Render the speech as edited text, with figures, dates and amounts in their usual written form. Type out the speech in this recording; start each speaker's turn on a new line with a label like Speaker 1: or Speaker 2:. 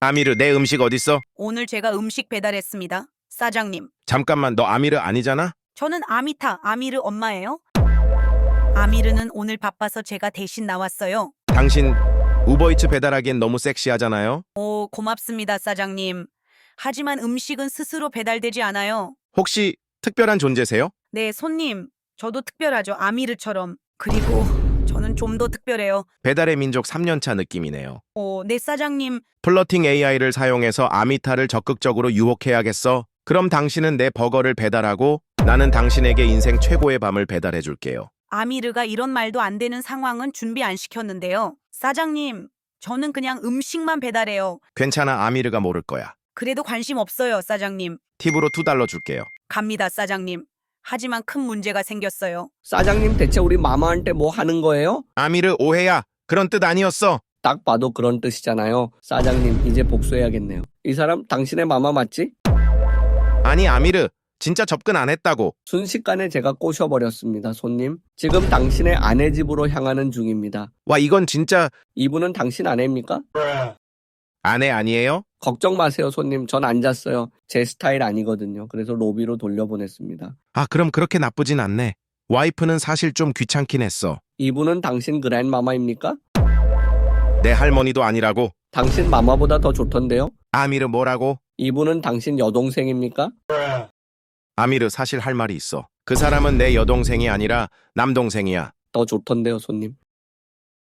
Speaker 1: 아미르, 내 음식 어딨어?
Speaker 2: 오늘 제가 음식 배달했습니다. 사장님,
Speaker 1: 잠깐만, 너 아미르 아니잖아?
Speaker 2: 저는 아미타, 아미르 엄마예요. 아미르는 오늘 바빠서 제가 대신 나왔어요.
Speaker 1: 당신 우버이츠 배달하기엔 너무 섹시하잖아요?
Speaker 2: 오, 고맙습니다, 사장님. 하지만 음식은 스스로 배달되지 않아요.
Speaker 1: 혹시 특별한 존재세요?
Speaker 2: 네, 손님. 저도 특별하죠. 아미르처럼. 그리고 저는 좀 더 특별해요.
Speaker 1: 배달의 민족 3년차 느낌이네요.
Speaker 2: 네, 사장님.
Speaker 1: 플러팅 AI를 사용해서 아미타를 적극적으로 유혹해야겠어. 그럼 당신은 내 버거를 배달하고 나는 당신에게 인생 최고의 밤을 배달해줄게요.
Speaker 2: 아미르가 이런 말도 안 되는 상황은 준비 안 시켰는데요. 사장님, 저는 그냥 음식만 배달해요.
Speaker 1: 괜찮아, 아미르가 모를 거야.
Speaker 2: 그래도 관심 없어요, 사장님.
Speaker 1: 팁으로 $2 줄게요.
Speaker 2: 갑니다, 사장님. 하지만 큰 문제가 생겼어요.
Speaker 3: 사장님 대체 우리 마마한테 뭐 하는 거예요?
Speaker 1: 아미르, 오해야. 그런 뜻 아니었어.
Speaker 3: 딱 봐도 그런 뜻이잖아요. 사장님 이제 복수해야겠네요. 이 사람 당신의 마마 맞지?
Speaker 1: 아니, 아미르. 진짜 접근 안 했다고.
Speaker 3: 순식간에 제가 꼬셔버렸습니다, 손님. 지금 당신의 아내 집으로 향하는 중입니다.
Speaker 1: 와, 이건 진짜
Speaker 3: 이분은 당신 아내입니까?
Speaker 1: 아내 아니에요?
Speaker 3: 걱정 마세요, 손님. 전 안 잤어요. 제 스타일 아니거든요. 그래서 로비로 돌려보냈습니다.
Speaker 1: 아, 그럼 그렇게 나쁘진 않네. 와이프는 사실 좀 귀찮긴 했어.
Speaker 3: 이분은 당신 그랜마마입니까?
Speaker 1: 내 할머니도 아니라고.
Speaker 3: 당신 마마보다 더 좋던데요?
Speaker 1: 아미르 뭐라고?
Speaker 3: 이분은 당신 여동생입니까?
Speaker 1: 아미르, 사실 할 말이 있어. 그 사람은 내 여동생이 아니라 남동생이야.
Speaker 3: 더 좋던데요, 손님.